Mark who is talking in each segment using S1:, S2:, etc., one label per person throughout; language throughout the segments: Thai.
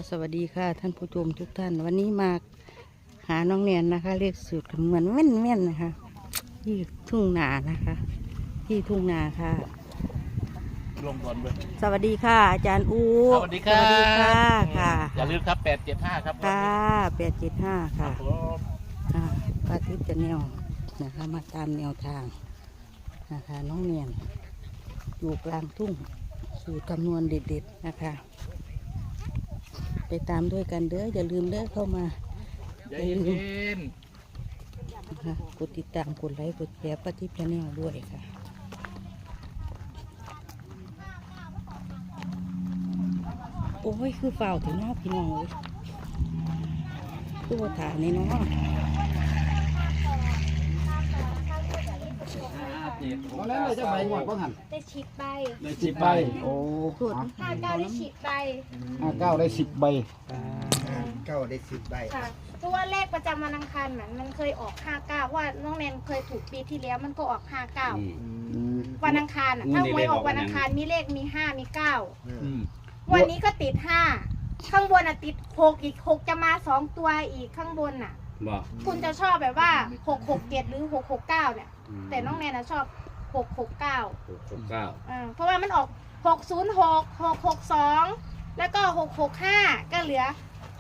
S1: สวัสดีค่ะท่านผู้ชมทุกท่านวันนี้มาหาน้องแนนนะคะเลขสูตรคำนวณแม่นๆนะคะที่ทุ่งนานะคะที่ทุ่งนาค่ะ
S2: ลงก่อนเลย
S1: สวัสดีค่ะอาจารย์อู
S2: สวัสดีครับ
S1: สวัสดีค่ะค่ะ
S2: อย่าลืมครับ875ครับ
S1: ค่ะ875ค่ะป้าทิพย์จะแนวนะคะมาตามแนวทางนะคะน้องแนนอยู่กลางทุ่งสูตรคำนวณเด็ดๆนะคะไปตามด้วยกันเด้ออย่าลืมเด้อเข้ามา
S2: อย่าเย็น
S1: นะคะกดติดตามกดไลค์กดแชร์ป้าทิพย์ชาแนลด้วยค่ะโอ้ยคือเฝ้าถึงหน้าพี่น้องเลยตัวฐานนี่เนาะ
S3: มาแล้วจะใบหมดบ้างหัน
S4: ได้10 ใบ
S3: ได้10 ใบโอ้
S4: 59ได้10 ใบ
S3: 59ได้10 ใบ
S5: เก้าได้10 ใบ
S4: ค่ะเพราะว่าเลขประจำวันอังคารมันเคยออก59ว่าน้องแนนเคยถูกปีที่แล้วมันก็ออก59วันอังคารถ้าหวยออกวันอังคารมีเลขมี5มี9วันนี้ก็ติด5ข้างบนติด6อีก6จะมา2ตัวอีกข้างบนคุณจะชอบแบบว่า667หรือ669เนี่ยแต่น้องแนนชอบ669เพราะว่ามันออก606 662แล้วก็665ก็เหลือ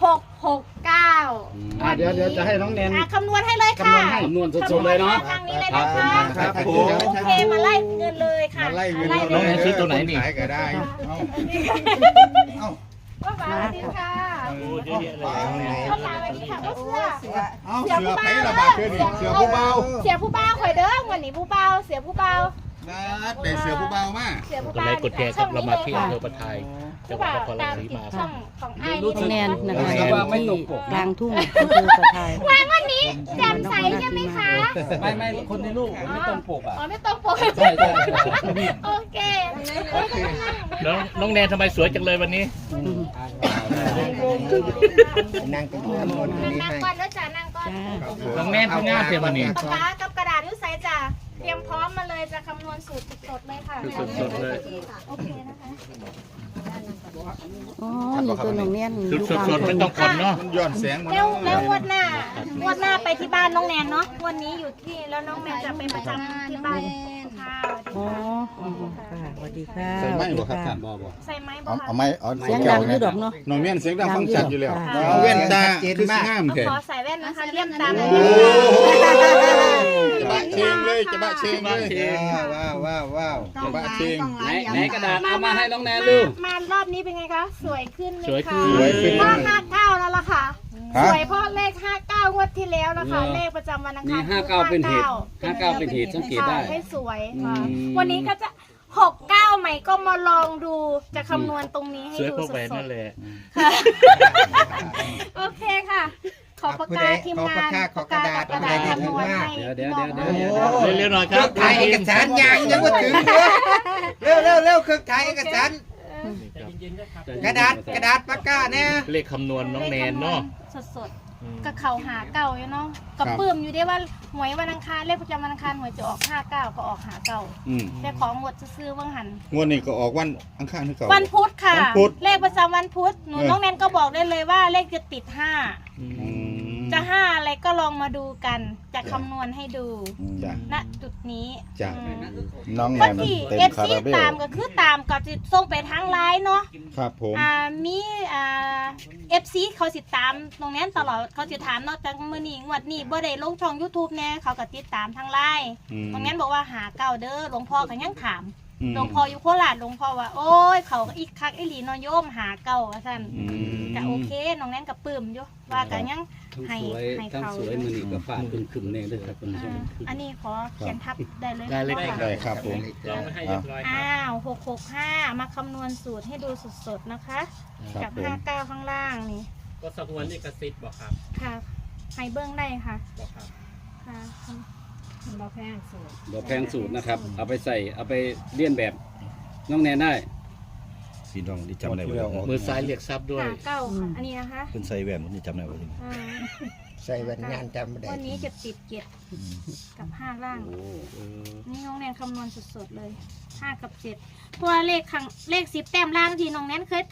S4: 669
S3: เดี๋ยวจะให้น้องแนน
S4: คำนวณให้เลยค่ะ
S3: คำนวณสดๆเลยเนาะ
S4: ทางนี้เลยนะคะ
S3: ครับผม
S4: โอเคมาไล่เงินเลยค่ะ
S5: มาไล่เงิน
S2: น้องแนนซื้อตัวไหนนี่
S5: ขายก็ได้เอ้า
S4: ก็ฝากสวัสดีค่ะ
S2: โอ้เยอะแยะเลย
S4: ก็ฝากสวัสดีค่ะก็เสื้อ
S5: เอ้าเสือไผ่ระบาดขึ้นนี่เสือผู้เบา
S4: เสียผู้เบาข่อยเด้อวันนี้ผู้เบาเสียผู้เบา
S5: นัดได้เสือผู้เบามา
S4: เสียผู้
S2: กด
S4: เบา
S2: ไลค์กดแชร์ครับเรามาที่อำเภอปะไทยจังหวัด
S4: ผู้
S2: น
S4: เบา
S2: ครราช
S4: ตาม
S2: สี
S4: ติด
S2: มา
S4: ช่องของไอ้
S1: น้องแนนนะคะที่กลางทุ่งอำเภอสะไทย
S4: วันนี้แจ่มใสใช่ไหมคะ
S3: ไม่คนในลูกไม่ต้องปกอ่ะ
S4: อ๋อไม่ต้องปก
S3: ใช่
S4: โอเค
S2: น้องแนนทำไมสวยจังเลยวันนี้
S5: นั่งตรงนี้หมดนี้
S4: นั่ง
S5: ให้
S4: ก่อนแล้วจ้ะนั่งก่อน
S2: น้องแนนเพิ่งงามเพียงวันนี้
S4: ปากกากับกระดาษนิ้วใสจ้ะเตรียมพร้อมมาเลยจะคำนวณสูตรสดๆเลยค่ะ
S2: สดๆเลย
S4: โอเคนะคะ
S1: อ๋อนี่ตัวน้องแนน
S2: สดๆไม่ต้องคนเนาะ
S5: ย้อนแสงมา
S4: แล้วงวดหน้าไปที่บ้านน้องแนนเนาะวันนี้อยู่ที่แล้วน้องแนนจะไปประจำที่บ้านค่ะ
S1: อ๋อค่ะสวัสดีค่ะ
S5: ใส่ไม้บ่ครับท่าน
S4: ใส่ไม้บ่
S5: เอา
S4: คะ
S5: ไม้เอา
S1: เสียงดังอยู่ดอกเนาะ
S5: น้องแม่นเสียงดังฟังชัดอยู่แล้วเอาแว่นตาคือสิงามแท้
S4: ขอใส่แว่นนะคะเลี่ยมตาเลย
S5: จะบะเชงเลยจะบะเชงเลยว้าวจะบะเชง
S3: ไหนกระดาษเอามาให้น้องแนนลูก
S4: มารอบนี้เป็นไงคะสวยขึ้นไหมคะ
S2: สวยขึ้น
S4: เพราะ59แล้วล่ะค่ะสวยเพราะเลข59งวดที่แล้วนะคะเลขประจำวันอังคาร
S3: 59เป็นเหตุ59เป็นเหตุสังเกตได้
S4: ให้สวยค่ะวันนี้ก็จะ69ใหม่ก็มาลองดูจะคำนวณตรงนี้ให้
S2: สวย
S4: ดู
S2: เพราะ
S4: ส
S2: แหวน
S4: ด
S2: นั่นแหละ
S4: ๆค่ะโอเคค่ะ ขอปากกาทีมงานปากกากับกระดาษคำนวณให้
S3: เดี๋ยว
S2: เร็วๆหน่อยครับ
S5: ถ่ายเอกสารยังว่าถึงเร็วเครื่องถ่ายเอกสารกระดาษปากกาเนี่ย
S2: เลขคำนวณน้องแนนเนาะ
S4: สดๆกับเขาหาเก่าอยู่เนาะกับปื้มอยู่ได้ว่าหวยวันอังคารเลขประจำวันอังคารหวยจะออก59ก็ออกหาเก่าแต่ของหมดจะซื้อว่างหัน
S5: งวดนี้ก็ออกวันอังคารที่เก่า
S4: วันพุธค่ะ
S5: วันพุธ
S4: เลขประจำวันพุธหนูน้องแนนก็บอกได้เลยว่าเลขจะติดจะ5อะไรก็ลองมาดูกันจะคำนวณให้ดู
S5: จ้ะ
S4: ณจุดนี้
S5: จ้ะน้องแน
S4: คน
S5: น
S4: ที่
S5: เต็ม
S4: เอฟ
S5: คา
S4: ซี
S5: ราเบล
S4: ตามก็คือตามก็จะส่งไปทางไลน์เนาะ
S5: ครับผม
S4: มีเอฟซีเขาติดตามตรงนี้ตลอดเขาจะถามนอกจากมื้อนี้งวดนี้บ่ได้ลงช่อง YouTube แน่เขาก็ติดตามทางไลน์ตรงนั้นบอกว่าหาเก่าเด้อหลวงพ่อก็ยังถามหลวงพ่ออยู่โคราชหลวงพ่อว่าโอ้ยเขาก็อีกคักอีหลีนอโยมหาเก่าว่าซั่นก็โอเคน้องแนนก็ปลื้มอยู่ว่าก็ยังให้เขา
S3: มือนี่กับฝาคึมๆเนี่ยด้วยครับคุณผู้ชม
S4: อันนี้ขอเขียนทับได้เลย
S2: ได้เลย
S4: ค่ะ
S5: ได้ครับผม
S2: ลองให้เรียบร้อย
S4: อ้าว665มาคำนวณสูตรให้ดูสดๆนะคะ
S5: ครั
S4: กั
S5: บบ ผม
S4: 59ข้างล่างนี่
S2: ก็สงวนนี่กระซิบบอกครับ
S4: ค่ะให้เบื้องได้ค่ะ
S2: บอกครับ
S4: ค่ะ
S3: บ่แพงสูตรนะครับเอาไปเลียนแบบน้องแนนได้
S6: พี่น้องที่จำได้ว่า
S2: มือซ้ายเรียกทรัพย์ด้วย
S4: ค่ะเก้าค่ะอันนี้นะคะ
S6: เป็นไซแวนผมนี่จำได้ว่า
S4: อ่า
S5: ใส่แว่นงานจำไม่ได้
S4: วันนี้จะติดเจ็ดกับ5ล่างนี่น้องแนนคำนวณสดๆเลย5กับ7เพราะว่าเลข10แต้มล่างที่น้องแนนเคยทำ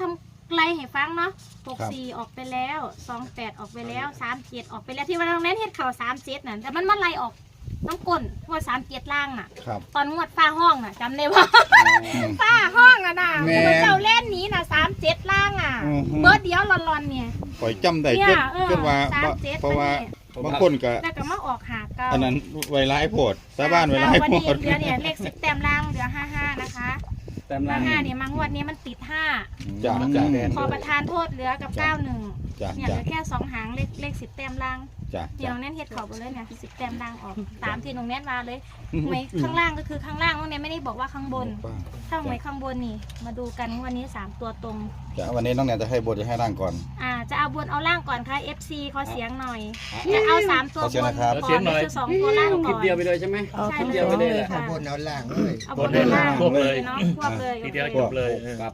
S4: ไล่ให้ฟังเนาะ64ออกไปแล้ว28ออกไปแล้ว37ออกไปแล้วที่ว่าน้องแนนเฮ็ดเข่า37น่ะแต่มันไล่ออกน้ำก้นงวด37ล่างน่ะ
S5: ครับ
S4: ตอนงวดฟ้าห้องน่ะจำได้ว่าฟ้าห้องอ่ะนะมันเจ้าเล่นนี้น่ะ37ล่างอ่ะเบิร์ดเดียวรอนๆเนี่ย
S7: ข่อยจำได้
S4: เนี่ย
S7: เกินว่า
S4: 37
S7: เพราะว่า
S4: อันนี้
S7: บางคนก็
S4: แล้วก็มาออกหาเก้า
S7: อันนั้นไวร้ายโพดชาวบ้านไวร้าย
S4: วัน
S7: โพ
S4: นี้
S7: ด
S4: เหลือเนี่ยเลข10แต้มล่างเหลือ55นะคะ
S3: แต้มล่าง
S4: 55เนี่ยมางวดนี้มันติด5
S7: จ้า
S4: ขอประทานโทษเหลือกับ91
S7: จ้า
S4: เนี่ยเห
S7: จ้า
S4: ลือแค่2หางเลข10แต้มล่าง
S7: จ้า
S4: เนี่ยน้องแน่นเฮ็ดเขาไปเลยเนี่ย10แต้มล่างออกตามที่น้องแน่นมาเลยไม่ข้างล่างก็คือข้างล่างน้องแน่นไม่ได้บอกว่าข้างบนถ้าไม่ข้างบนนี่มาดูกันวันนี้3ตัวตรง
S7: จ้าวันนี้น้องแนนจะให้บทจะให้ร่างก่อน
S4: จะเอาบนเอาล่างก่อนค่ะ FC ขอเสียงหน่อยจะเอา3ตัว
S7: ขอเสี
S4: บ
S7: ยง
S4: น
S7: นะครับ
S4: ก่อนหรือ2ตัวล่าง
S3: คลิ
S4: ก่
S3: ป
S4: อน
S3: เดียวไปเลยใช่ไหม
S1: เอา
S4: ใช่
S1: ทุก
S3: เดี
S1: เดี
S3: ย
S1: ยว ว
S3: ไป
S1: ไป
S3: เล
S1: เลย ย
S3: ค่ะ
S1: ค่ะ
S5: บนเอาล่างเลย
S4: เอาบนเอาล่าง
S2: ครบเลย
S4: เนาะควบเลย
S2: ทีเดียว
S4: โอ
S2: จบเลย
S3: ครับ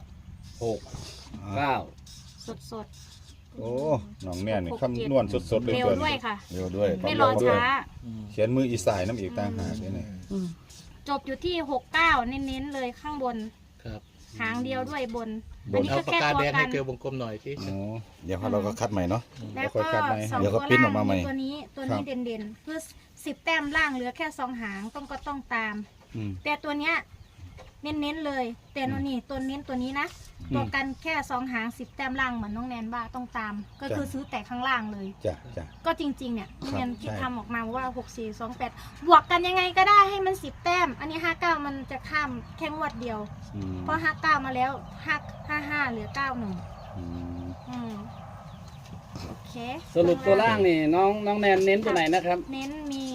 S3: 6 9
S4: สด
S7: โอ้น้องแนนนี่คำนวณสดๆ
S4: ๆ
S7: เลย
S4: เร็ว
S7: ตัว
S4: ด้วย
S7: นี้
S4: ค่ะ
S7: เร็วด้วย
S4: ไม่รอ
S7: ด้วย
S4: ช้า
S7: เขียนมืออีสายน้ำอีกต่างหากเลยนี่
S1: อืม
S4: จบอยู่ที่69เน้นๆเลยข้างบน
S2: ครับ
S4: หางเดียวด้วยบน
S7: บ
S4: อัน
S7: น
S4: นี้
S2: เอา
S4: ก็
S2: ปาก
S4: แค่
S2: กา
S4: ตัว
S2: แดง
S4: กั
S2: ให้
S4: น
S2: เกลือวงกลมหน่อยที่
S7: อ๋อเดี๋ยวเราก็คัดใหม่เนาะ
S4: แล้ว
S7: ค่อย
S4: ก็
S7: คัดใหม่
S4: สอง
S7: เดี๋ยว
S4: ตั
S7: ก็
S4: ว
S7: ปริ้นอ
S4: ล่า
S7: อกมาใหม่
S4: งตัวนี้เด่นๆเพื่อ10แต้มล่างเหลือแค่2หางก็ต้องตาม
S7: อืม
S4: แต่ตัวเนี้ยเน้นๆเลยแต่โนนี่ตัวเน้นตัวนี้นะ
S7: อืม
S4: ตัวกันแค่2หาง10แต้มล่างเหมือนน้องแนนว่าต้องตาม ก็คือซื้อแต่ข้างล่างเลย
S7: จ้าจ้า
S4: ก็จริงๆเนี่ยน้องแนนที่
S7: ใช่
S4: ทำออกมาว่า6428บวกกันยังไงก็ได้ให้มัน10แต้มอันนี้59มันจะข้ามแค่งวดเดียว
S7: อืม
S4: เพราะ59มาแล้ว55เหลือ91
S7: อืม
S4: โอเค
S3: สรุปตัวล่างนี่น้องแนนเน้นตัวไหนนะครับ
S4: เน้นมี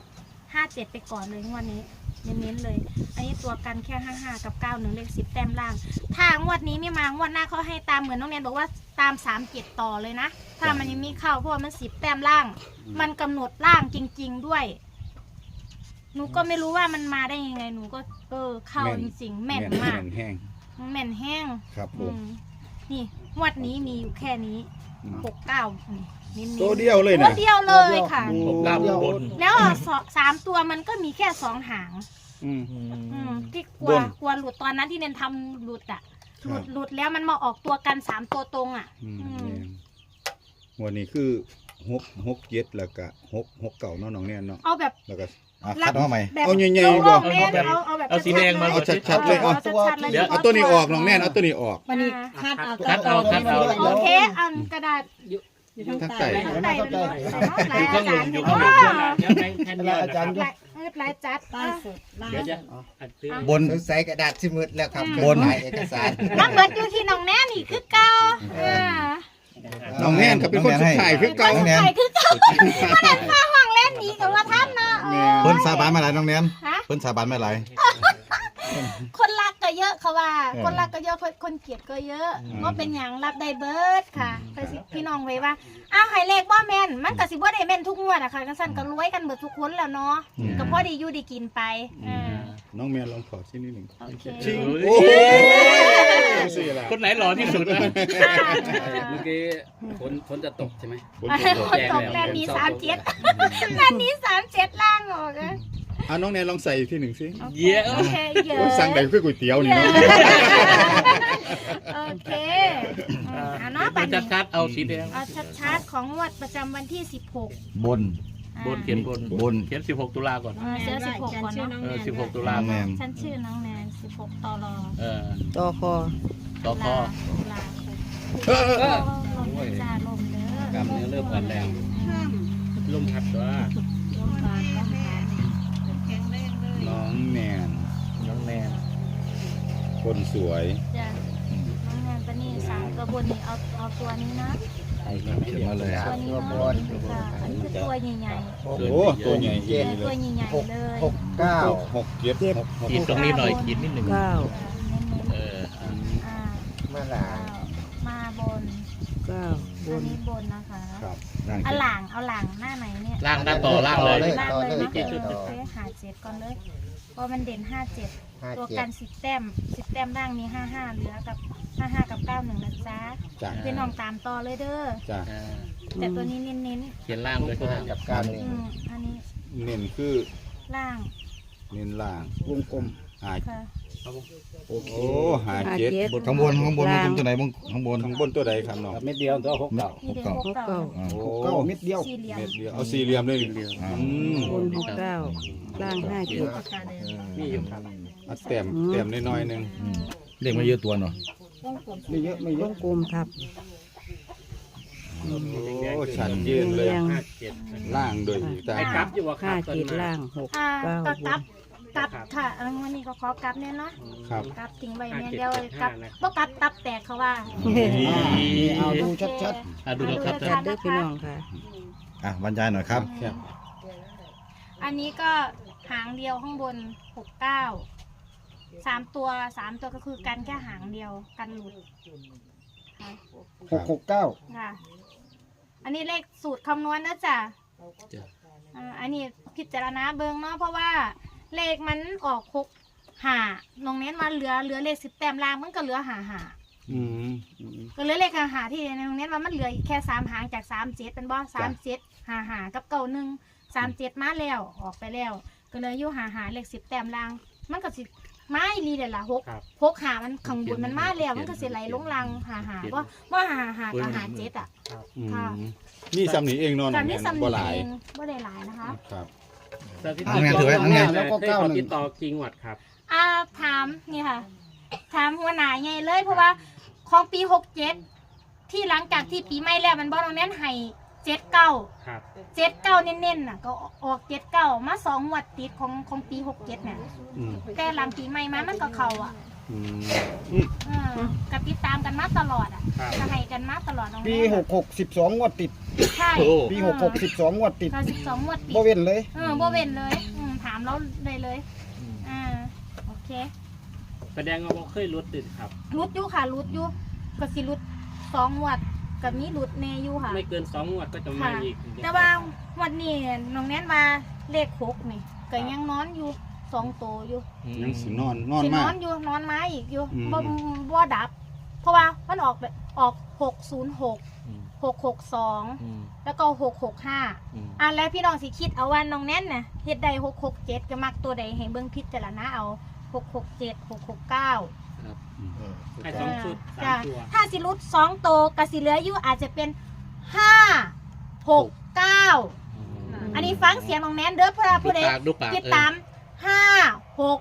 S4: 57ไปก่อนเลยงวดนี้เน้นๆเลย อันนี้ตัวกันแค่55กับ91เลข10แต้มล่างถ้างวดนี้ไม่มางวดหน้าเขาให้ตามเหมือนน้องแนนบอกว่าตาม37ต่อเลยนะถ้ามันยังมีเข้าเพราะว่ามัน10แต้มล่าง มันกำหนดล่างจริง ๆด้วย หนูก็ไม่รู้ว่ามันมาได้ยังไงหนูก็เข้าจริงๆแม่นมาก
S7: แม่นแห้ง
S4: แม่นแห้ง
S7: ครับผ
S4: อื
S7: ม
S4: มนี่งวดนี้มีอยู่แค่นี้
S7: อืม
S4: 69นี่เน้นๆ
S7: ตัวเดียวเลย
S4: ตัว
S7: นะ
S4: เดียวเลยค่ะ
S7: โอ้
S2: ผมล่างบน
S4: แล้ว3ตัวมันก็มีแค่2หาง
S7: อืม
S4: ที่กลั
S7: บ
S4: วน กลัวหลุดตอนนั้นที่เน้นทำหลุดอ่ะ
S7: ครับ
S4: หลุดแล้วมันมาออกตัวกัน3ตัวตรงอ่ะ
S7: อืม
S4: อืม
S7: แม่นวันนี้คือ6 7แล้วก็6 เก่าเนาะน้องแนนเนาะ
S4: เอาแบบ
S7: แล้วก็คัดมาใหม่
S4: แบบ
S7: เอาใหญ่ๆ
S4: โล่
S7: บ่
S4: งๆแน่นเอาแบบ
S2: เอาสีแดงมา
S7: เอาชัดๆเลย
S4: เอาชัดๆเลย
S2: เดี๋ยว
S7: เอาตัวนี้ออกน้องแนนเอาตัวนี้ออก
S8: วันนี้คาดเอา
S2: คัดเอาคัดเอา
S4: โอเคอันกระดาษ
S7: ทั้งไก่
S4: ใส่เลยหลาย
S2: อยู่
S4: อา
S2: ข้างหลุ
S4: จาม รย์
S2: อยู่
S4: โอ้
S2: ข้างหลุมเดี๋ยวแบงค์แทนเดียวนะครับ
S4: หลายจัด
S8: ใต้สุดล่าง
S2: เดี๋ยวจะอัดซื้อบ
S7: น
S5: สงสัยกระดาษสิมืดแล้วครับ
S7: บน
S5: ถ่ายเอกสาร
S4: มันเหมือนอยู่ที่น้องแน่นี่คือเก่า
S7: น้องแนนก็เป็นคนสุดท้ายคือเก่า
S4: ใส่คือเก่ามันเห็นฟ้าห้องเล่นนี้กับว่าท่านนะเออ
S7: เพิ่นสาบานมาหลายน้องแนน
S4: ฮะ
S7: เพิ่นสาบานมาหลาย
S4: คนรักก็เยอะเขาว่า
S7: เออ
S4: คนรักก็เยอะคนเกลียดก็เยอะก็เป็นอย่างรับได้เบิร์ดค่ะไปสิพี่น้องไว้ว่าอ้าวไฮเลขบ่แม่นมันก็สิบ่ได้แม่นทุกงวดอะค่ะกันสั่นก็รวยกันเบิดทุกคนแล้วเนาะก็พอดีอยู่ดีกินไปอ่า
S7: น้องแมนลองขอชิ้นนิดหนึ่ง
S4: โอเค
S2: จริง
S7: โอ้โหสิล่ะ
S2: คนไหนหล่อที่สุดนะ
S3: เมื่อกี้ฝนจะตกใช่ไหม
S7: บน
S4: คนตกแม่นมี37แม่นมี37ล่างออกอะ
S7: อ่ะน้องแนนลองใส่อีกทีหนึ่งสิ
S2: เยี่ย
S4: โอเคเยอะ
S7: โอ้ยสั่งได้คือก๋วยเตี๋ยวนี่เนาะ
S4: โอเคเอาเนาะ
S2: มั
S4: บั
S2: น
S4: ด
S2: จะ
S4: นี้
S2: คัดเอาสีแดง
S4: เอาชัดๆของงวดประจำวันที่16
S7: บน
S2: บนเขียนบน
S7: บน
S2: เขียน16 ตุลาก่อน
S4: เสื้อ16ก่อนเนาะ
S2: 16 ตุลา
S7: น้องแนน
S4: ฉันชื่อน้องแนน16ตล
S2: เออ
S1: ต่อคอ
S2: ต่อคอ
S4: ลา
S7: เออ
S4: ลมจ้าลมเด้อก
S3: ล้ามเนื้อเริ่มอ่อนแรง
S2: ลมพัดว่า
S4: ลมบานลมบาน
S7: น้องแนน
S2: น้องแนน
S7: คนสวย
S4: จ้ะน้องแนนปนี่3ตัวบนนี่เอาตัวนี้นะ
S7: เขียนมาเลย
S4: ตัวนี้นะค่ะอันนี้คือตัวใหญ่
S7: โอ้โหตัวใหญ่
S4: ๆ
S7: เยี่ยม
S4: ตัว
S7: เลย
S4: ใหญ่ๆเลย
S5: 6 9
S7: 6 7 6
S2: ขีดตรงนี้หน่อยขีดนิดหนึ่ง
S1: เก้า
S2: เออ
S4: อ่า
S5: มาหลา
S4: มาบน
S1: เก้าบ
S4: อัน
S1: น
S4: นี้บนนะคะ
S7: ครับนั่ง
S4: เอาหลังหน้าไหนเนี่ย
S2: ล่างด้านต่อล่างเลย
S4: ล่างเลยเนาะ
S2: เจ็ดจุด
S4: โอเคหา7ก่อนเลยเพราะมันเด่น57ตัวกัน10แต้มล่างมี55เหลือกับ55กับ91นะจ๊ะ
S7: จ้ะ
S4: พี่น้องตามต่อเลยเด้อ
S7: จ้ะ
S2: อ่า
S4: แต่ตัวนี้เน้น
S2: เขียนล่างเลยก็ได้
S5: กับการ
S4: ๆอันนี้
S7: เน้นคือ
S4: ล่าง
S7: เน้นล่าง
S5: วงกลม
S7: หา
S1: ค่ะ
S7: โอ้หาเจ็ด
S1: 57
S7: บน
S6: ข้างบนข้างบนมันตัวไหนบ้างข้างบน
S7: ข้างบตัวใดครับน้อง
S3: เม็ดเดียวตัว6เก่า
S4: นี่เด็ก
S6: เก้า
S4: หกเก้า
S6: อ่า
S7: โอ้
S5: เก้าเม็ดเดียว
S4: สี่เหลี่ยม
S7: เม็ดเดียวเอาสี่เหลี่ยมเลย
S6: อ่า
S1: บน69ล่าง57
S3: มีอยู่ครับ
S7: เอาแต้มน้อยๆหนึง
S6: เด็กมาเยอะตัวเนาะ
S5: ไม่เยอะไม่เยว อะ
S1: งกลมทับ
S7: โอ้ชัดเจนเลย
S1: เรียง
S7: ล่างโดยอีกแต่
S3: ไอ้กลับอยู่ว่าครับ
S1: 57ล่าง
S4: อ่า
S1: 69
S4: ก็
S1: บ
S4: กลั
S1: น
S4: บกลับค่ะวันนี้ก็ขอกลับเนี่ยเนาะ
S7: ครับ
S4: กลับทิ้งไว้เนี่ยเดียวกลับบ่กลับตับแตกเขาว่า
S5: นี่เอาดูชัด
S2: ดูแล้วครับ
S1: จัดเด้อพี่น้องค่ะ
S6: อ่ะบรรยายหน่อยครับ
S4: อันนี้ก็หางเดียวข้างบน69 3 ตัวก็คือกันแค่หางเดียวกันหลุด
S5: ๆ669
S4: ค่ะ อันนี้เลขสูตรคำนวณนะจ๊ะ
S2: จ้ะ
S4: อันนี้พิจารณาเบิงเนาะเพราะว่าเลขมันออก6 5น้องเน้นมาเหลือเลข10 แต้มล่างมันก็เหลือ5
S7: อืม
S4: ก็เหลือเลข5ที่น้องเน้นว่ามันเหลืออีกแค่3หางจาก37เป็นบ่37 5กับ91 37มาแล้วออกไปแล้ว ก็เลยอยู่5เลข10 แต้มล่าง มันก็สิมาอีหลีเด้อล่ะ6หามันข้างบนมันมาแล้วมันก็สิไหลลงล่าง5ว่า5กับ57อ่ะ
S7: อืม
S4: ค่ะ
S7: นี่ซ้ำนี้เองเนอน
S4: การนี้สำ
S7: บ่
S4: เนี
S7: หลาย
S4: ยงบ่ได้หลายนะคะ
S7: ครับ
S6: เอาไงถือไว้เอาไง
S5: แล้วก็
S3: ได้ขอ
S5: 91
S3: ติดต่อจริงหวัดครับ
S4: ถามนี่ค่ะ ถามหัวหน้าไงเลยเพราะว่าของปี67ที่หลังจากที่ปีใหม่แล้วมันบ่ตรงนั้นให้79
S3: ครับ
S4: 79เน้นๆน่ะก็ออก79มา2งวดติดของปี67เนี่ย
S7: อืม
S4: แต่หลังปีใหม่มามันก็เข้าอ่ะ
S7: อืม
S4: ก็ติดตามกันมาตลอดอ่ะ
S3: ครับ
S4: ก็ให้กันมาตลอดตรง
S5: ปี
S4: นี้
S5: 66 12งวดติด
S4: ใช่
S2: โอ้
S5: ปี66 12งวดติด
S4: ก็12งวดติด
S5: บ่เว้นเลย
S4: บ่เว้นเลยถามเราเลยโอเค
S3: แสดงว่าบ่เคยรุดติดครับ
S4: รุดอยู่ค่ะรุดอยู่ก็สิรุด2งวดกับมีรุดแน่อยู่ค่ะ
S3: ไม่เกิน2งวดก็จะมาอีก
S4: แต่ว่าวันนี้น้องแน่นมาเลข6นี่ก็ยังนอนอยู่2โตวอยู่
S7: ยังสินอน
S4: สิน
S7: มา
S4: อก นอยู่นอนมาอีกอยู่
S7: อืม
S4: บ่ดับ เพราะว่ามันออก606 662แล้วก็665แล้วพี่น้องสิคิดเอาว่าน้องแน่นน่ะเฮ็ดได้667ก็มักตัวใดให้เบิ่งพิจารณาเอา667 669
S3: ให้สองชุด
S4: จ้ะ
S3: 3ตัว
S4: ถ้าสิรุด2โตวก็สิเหลืออยู่อาจจะเป็น5 6 9อันนี้ฟังเสียงน้องแนนเด้อเพื่อผู้ใด
S2: ดูปาก
S4: ติดตาม5 6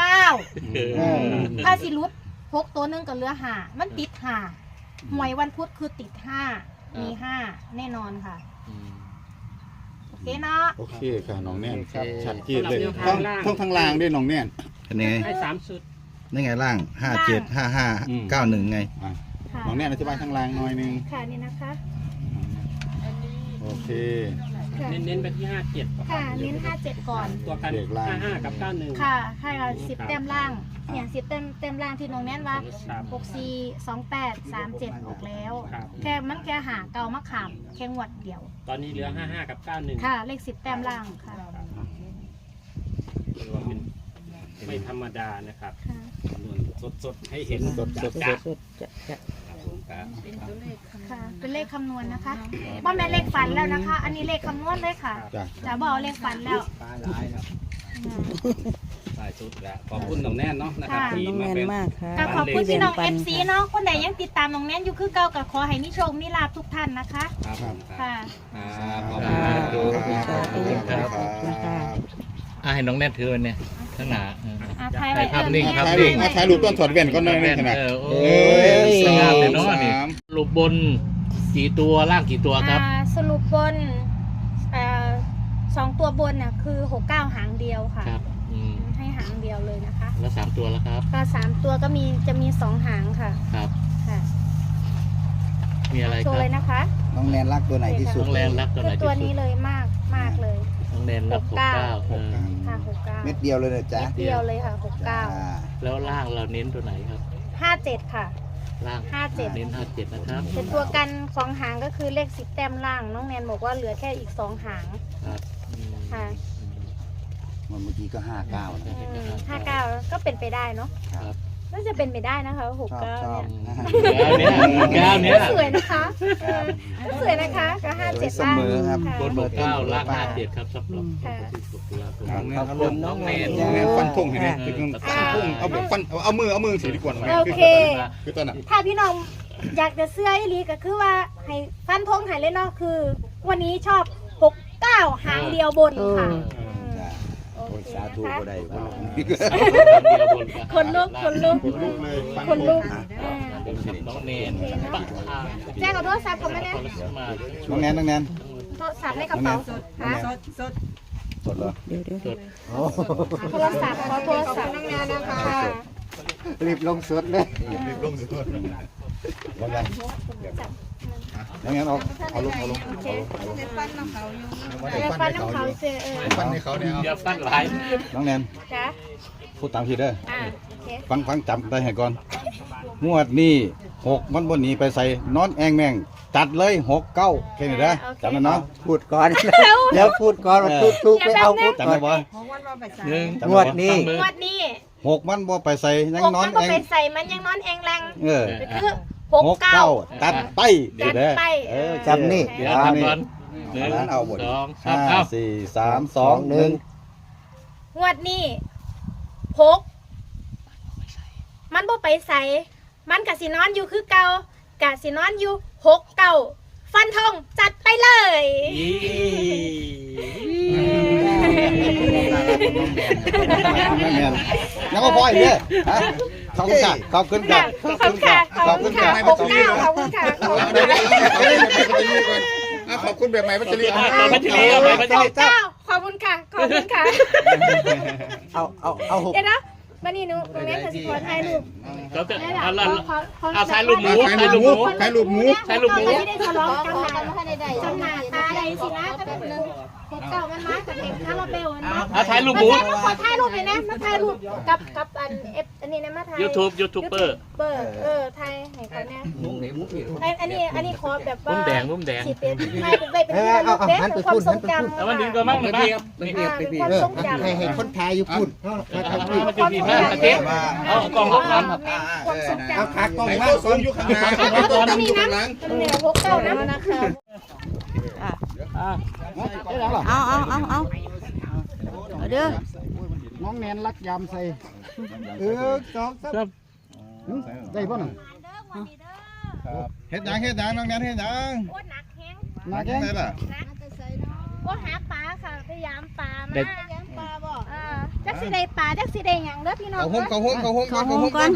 S4: 9ถ้าสิรุด6ตัวหนึงก็เหลือ5มันติด5หวยวันพุธคือติด5มี5แน่นอนค่ะโอเคเนาะ
S7: โอเคค่ะน้องแน่น
S3: ครับ
S7: ชัดเจนเลย
S3: สำหรับแนวทางล่าง
S7: ทั้งล่างด้วยน้องแน่น
S6: เป็นยังไง
S3: ให้3ชุด
S6: นี่ไงล่าง57 55 91ไง
S7: อ่ะ
S4: ค่ะ
S7: น้องแน่นอธิบายทั้งล่างหน่อยหนึง
S4: ค่ะนี่นะคะ
S7: โอเค
S4: ค่ะ
S3: เน้นไปที่57
S4: ค่ะเน้น57ก่อน
S3: ตัวกัน
S7: เด็กล่าง
S3: 55กับ91
S4: ค่ะค่ะ10 แต้มล่างเนี่ย10 แต้มล่างที่น้องแนนว่า
S3: ครับ
S4: 64 28 37ออกแล้ว
S3: ครับ
S4: แค่มันแค่หาเก่ามะขามแค่งวดเดียว
S3: ตอนนี้เหลือ55กับ91
S4: ค่ะ เลข10 แต้มล่างค่ะ
S3: ถือว่าเป็นไม่ธรรมดานะครับ
S4: ค่ะ
S3: สดๆให้เห็น
S7: สดๆ
S3: จัด
S1: สดจะ
S4: ค่ะ เป็นเลขคำนวณนะคะว่าแม่นเลขฝันแล้วนะคะ อันนี้เลขคำนวณเลยค่ะ
S7: จ้ะ
S4: จะบอกเลขฝันแล้ว
S3: หลายชุดแล้วขอบคุณน้องแน่นเนาะนะครับ
S4: ค่ะ
S3: ที่
S1: น้อง
S3: มา
S1: แนน
S3: เป็น
S1: มากค่ะ
S4: ก็ขอบคุณพี่น้อง
S1: ที่แบ่
S4: FC
S1: ปั
S4: เนาะคนไหนยังติดตามน้องแนนอยู่คือเก่าก็ขอให้มีโชคมีลาภทุกท่านนะคะ
S3: ครับผมครับ
S4: ค่ะ
S3: ขอบ
S1: ข
S3: คุ
S1: อบ
S3: ณ
S1: คุณ
S3: ค
S1: ค่ะ
S3: รับ
S1: ขอบคุณค่ะ
S2: ให้น้องแน่นถือเนี่ยข้างหน้า
S4: ถ่าย
S2: ถ่ายภาพนิ่งครับ
S7: ถ่ายรูปถ่ายรูปต้นถอดแว่นก็หน่อยหนึงขนาด
S2: โอ้
S7: เอ้
S2: ย
S7: ย
S2: สวยงามเลยเนาะนี่
S7: สาม
S2: รูปบนกี่ตัวล่างกี่ตัวครับ
S4: สรุปบน2 ตัวบนน่ะคือ69หางเดียวค่ะ
S2: ครับ
S4: ให้หางเดียวเลยนะคะ
S2: แล้ว3ตัวแล้วครับ
S4: ก็3ตัวก็จะมี2หางค่ะ
S2: ครับ
S4: ค่ะ
S2: มีอะไร
S4: โช
S2: ค
S4: ว์
S2: รับ
S4: เลยนะคะ
S5: น้องแนนรักตัวไหนที่สุด
S2: น้องแนนรักตัวไหน
S4: คือ
S2: ที่
S4: ตัว
S2: สุ
S4: นี้
S2: ด
S4: เลยมากเลย
S2: น้องแนนรัก69
S4: ค่ะ69
S5: เม็ดเดียวเลยนะจ๊ะ
S4: เดียวเลยค่ะ
S2: แล้วล่างเราเน้นตัวไหนครับ
S4: 69 57ค่ะ
S2: ล่าง
S4: 57
S2: เน้น57นะครับ
S4: เป็นตัวกัน2หางก็คือเลข10 แต้มล่าง น้องแนนบอกว่าเหลือแค่อีก2หาง
S2: ครับ
S4: ค่ะ
S5: เมื่อกี้ก็59นะ
S4: 59ก็เป็นไปได้เนาะ
S2: ครับ
S4: น่าจะเป็นไปได้นะคะ69
S7: ชอบ
S4: เนี่ย
S2: แก้วเนี้ย
S4: สวยนะคะสวยนะคะก็57
S7: เสมอครับ
S4: ค่ะ
S2: บนเก้าล่าง57ครับสำหรับ
S4: ค่ะ
S2: ตุลาคม
S7: ขอบคุณ
S2: น้องแนน
S7: น้องแนนฟันธงให้แน่ฟันธงเอาแบบฟันเอามือถือดีกว่า
S4: โอเค
S7: คือตอนน่ะ
S4: ถ้าพี่น้องอยากจะเสื้ออีหลีก็คือว่าให้ฟันธงให้เลยเนาะคือ วันนี้ชอบ69หางเดียวบนค่ะโอเค
S5: สาธุ
S4: นะคะ
S5: ก็ได้
S4: คนลุกคนลุก
S7: เลย
S4: คนลุก
S2: น้องแนนปะทาง
S4: แจ้งเอาโทรศัพท์เขามาเนี่ย
S7: น้องแนน
S4: โทรศัพท์ในกระเป๋าฮะ
S7: สดเหรอ
S1: เดี๋ยว
S4: โทรศัพท์ขอโทรศัพท์นั่งงานนะคะ
S5: รีบลงสดเลย
S7: รีบลงสุดว่าไงน้องแนนเอาลง
S4: โอเค
S7: เดี๋ยว
S4: ฟันน้ำเขาเสีย
S7: ฟันให้เขาเนี่ย
S2: อย่าฟันหลาย
S7: น้องแนน
S4: จ้ะ
S7: พูดตามพี่เด้อ
S4: โอเค
S7: ฟังจำได้ให้ก่อนงวดนี้6มันบนหนีไปใส่นอนแองแมงจัดเลย69แค่นี้นะจำได้เนาะ
S5: พูดก่อนแล้วพูดก่อนว่าทุกไปเอาพูด
S7: จำได้บ่
S2: หนึ่ง
S5: งวดนี้
S4: งวดนี้
S7: 6มันบ่ไปใส่ยัง
S4: หก
S7: นอ
S4: มัน นก็
S7: แอง
S4: ไปใส่มันยังนอนแองแรง คือ69
S7: ตัดไปเดี๋ยวเด้อจำนี่
S2: เดี๋ยวทำก่อนหนึ่ง
S7: เอาหมด
S2: สองสาม
S7: 5
S2: เอา
S7: 4 3 2 1
S4: งวดนี้6มันบ่ไปใส่มันกะสินอนอยู่คือเก่ากะสินอนอยู่69ฟันธงจัดไปเลย
S7: ยังก็พออีกเนี่ยขอบคุณค่ะขอบคุณค่ะ
S4: ขอบคุณค่ะขอบคุณค่ะขอบคุณค่ะขอบคุณค่ะ
S7: ขอบคุณแบบใหม่พัชรี
S2: พัชรีเอาไปพัชรี
S4: ขอบคุณค่ะขอบคุณค่ะ
S5: เอาหก
S4: เดี๋ยวนะมานี่หนูตรงนี้คือขอถ่ายรูป
S2: เขาจะ
S4: ได้หรอ
S2: เอาถ่ายรูปหมูถ่ายรูปหมู
S7: ถ่ายรูปหมู
S2: ถ่ายรูปหมู
S4: ไม่ได้ทะเลาะกันจำหน้าตาใดสินะก็แบบนึง69มันมากับเพลงคาราเบลมันมา
S2: เอาถ่ายรูปหมู
S4: มาขอถ่ายรูปเลยนะมาถ่ายรูปกับอันนี้นะมาถ่าย
S2: ยูทูบเบอร์
S4: ถ่ายให้เขาเนี่ยอันนี้ขอแบบว่า
S2: มุมแดงมุมแดง
S4: สิเป็นถ่ายเป็นไปเป็นที่ระลึกเด้เป็นความทรงจำ
S2: แล้วมันดึงตัวมั่งหรือเปล่า
S4: เป็นความทรงจำ
S5: ให้คนไทยอยู่พูด
S2: มันจะมีมากเจ๊เอากล่องลบกัน
S4: ความทรงจำ
S5: เอาขากล้องมาสูงอยู่ข้างหน้า
S4: ตัวนี้นะเหนือ69นะนะคะ
S1: เอาเด้อ
S5: น้องแนนรักยามใส่สองสามได้ป่ะน่ะ
S7: เฮ็ดยังน้องแนนเฮ็ดยัง
S4: โอ้หนักแห้ง
S7: มาแค่ไหนล่ะ
S4: โอ้หาปลาค่ะพยายามปลามาจักสิได้ปลาจักสิได้หยังเด้อพี่น้อง
S7: เขาหุ้มก่อน
S4: เดี๋ยว
S1: ก่อน
S4: นี่ก่อน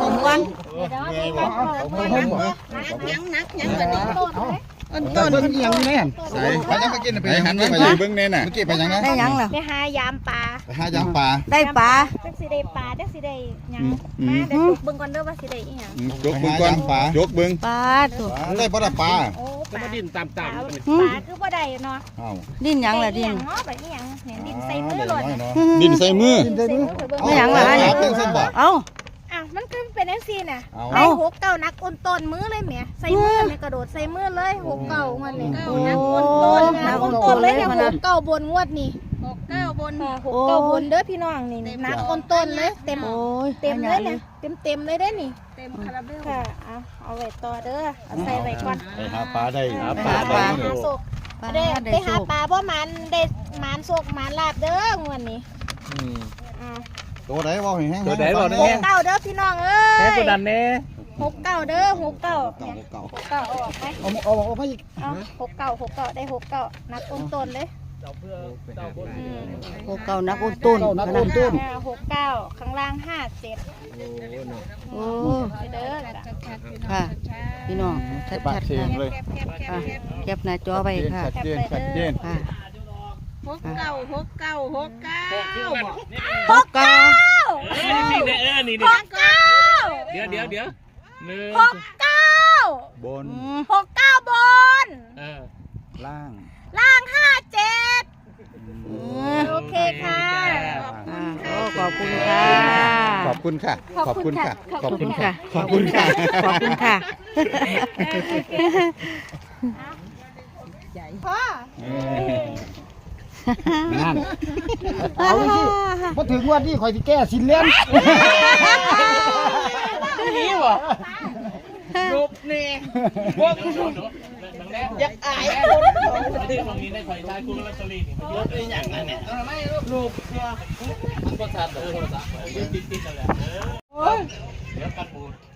S4: ต้น
S5: ต้นยังแน่น
S7: ใส่ไปยังมากินไปหันไปอยู่เบื้องแน่น่ะเมื่อกี้ไปยังนะ
S1: ได้หยังล่ะ
S4: ไปหายามปลา
S7: ไปหายังปลา
S1: ได้ปลา
S4: จักสิได้ปลาจักสิได้หยังมาเดี๋ยวเบิ่งก่อนเด้อว่าสิได้อีหยัง
S7: ยกเบื้องก่อนยกเบื้อง
S1: ปลาตัว
S7: ได้ปลาปลา
S4: โอ้ปลา
S2: ดินตาม
S4: ปลาคือบ่ได้เนาะ
S7: อ้าว
S1: ดิ้นหยังล่ะดิ้น
S4: เนาะแบบนี้หยังเนี่ยดินใส่มือหล่น
S7: ดินใส่มือ
S1: ไม่หยังล่ะ
S7: เป็นเส้นบอก
S1: เอา
S4: อ้าวมันก็เป็นจังซี่น่ะ
S7: เอา
S4: ไอ้69นักอ้นต้นมือเลยแหมใส่มือแม่กระโดดใส่มือเลย69มันนี่นักอ้นต้นเลยเนี่ย69บนงวดนี่69บน69บนเด้อพี่น้องนี่นักอ้นต้นเลยเต็ม
S1: โอ้ย
S4: เต็มเลยเนี่ยเต็มเลยได้นี่เต็มคาราเบลค่ะเอาไว้ต่อเด้อเอาใส่ไว้ก่อน
S7: ไปหาปลาได้
S4: หาโศกได้ไปหาปลาเพราะมันได้มันโศกมันลาบเด้องวดนี้
S7: ตัวไหนบอกแห้ง
S4: 69เด้อพี่น้องเอ้
S2: แค่
S4: ย
S2: กูดันเน่
S4: 69เด้อ69เนี่ย69เอาออกไป
S5: เอาไปอีก
S4: เอา69ได้69นักอ้นต้นเลย
S1: โอ้เก่านักอุ้นต้น
S5: นักอุ้นต้น
S4: 69ข้างล่าง57
S1: โอ้
S4: เด้อ
S1: ค่ะพี่น้องชัดๆค่ะแคปหน้าจอไปค่ะ
S7: ชัดเจน
S1: ค่ะ
S2: 69
S4: 69
S2: นี่เดี๋ยวหนึ่ง
S7: บน
S4: 69บน
S7: ล่าง
S4: ล่าง57โอเคค่ะ
S1: ขอบคุณค่ะ
S7: ขอบคุณค่ะ
S1: ขอบคุณค่ะ
S7: ขอบคุณค่ะ
S1: ขอบคุณค่ะ
S4: พ่อ
S3: นั่น
S8: เอาสิพอถึงวันนี้ข่อยสิแก้สินเลี้ยน
S2: นี่วะรูปนี่พวกอยากอายคนตรงนี้ได้คอยใช้คุณลอตเตอรี่นี่มันเยอะเลยอย่างนั้นเนี่ยไม่รูปมันก็ชัดโทรศัพท์ติดกันแหละเดี๋ยวกันบูด